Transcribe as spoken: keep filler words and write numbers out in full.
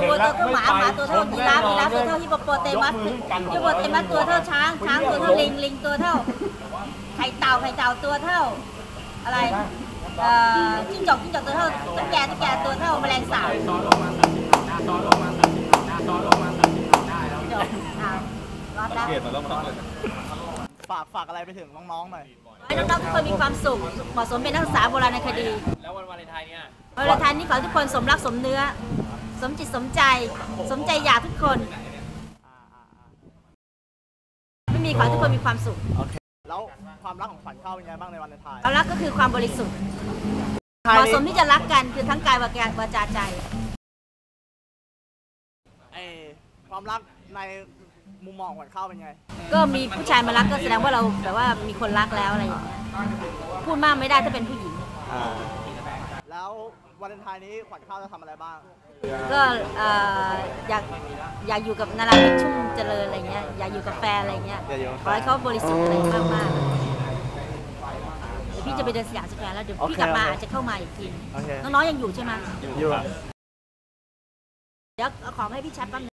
วัวตัวเท่าหมาหมาตัวเท่ายีราฟยีราฟตัวเท่าฮิปโปโปเตมัสฮิปโปเตมัสตัวเท่าช้างช้างตัวเท่าลิงลิงตัวเท่าไข่เต่าไข่เต่าตัวเท่าอะไรเอ่อจิ้งจอกจิ้งจอกตัวเท่าตุ๊กแกตุ๊กแกตัวเท่าแมลงสาบจบเอารอดแล้วฝากฝากอะไรไปถึงน้องๆหน่อยให้น้องๆทุกคนมีความสุขเหมาะสมเป็นนักศึกษาโบราณคดีแล้ววันวาเลนไทน์เนี่ยวันวาเลนไทน์นี้ขอให้ทุกคนสมรักสมเนื้อสมจิตสมใจสมใจอยากทุกคนไม่มีขอให้ทุกคนมีความสุขแล้วความรักของขวัญข้าวเป็นไงบ้างในวันวาเลนไทน์ความรักก็คือความบริสุทธิ์เหมาะสมที่จะรักกันคือทั้งกายวาจาวาจาใจไอความรักในมุมมองขวัญข้าวเป็นไงก็มีผู้ชายมารักก็แสดงว่าเราแบบว่ามีคนรักแล้วอะไรอย่างเงี้ยพูดมากไม่ได้ถ้าเป็นผู้หญิงแล้ววาเลนไทน์นี้ขวัญข้าวจะทำอะไรบ้างก็อยากอยากอยู่กับนาราธิปชุ่มเจริญอะไรเงี้ยอยากอยู่กับแฟนอะไรเงี้ยขอให้เขาบริสุทธิ์อะไรมากมากเดี๋ยวพี่จะไปเดินสยามสแควร์แล้วเดี๋ยวพี่กลับมาอาจจะเข้ามาอีกทีน้องๆยังอยู่ใช่ไหมอยู่เดี๋ยวเอาของให้พี่ชัดแป๊บ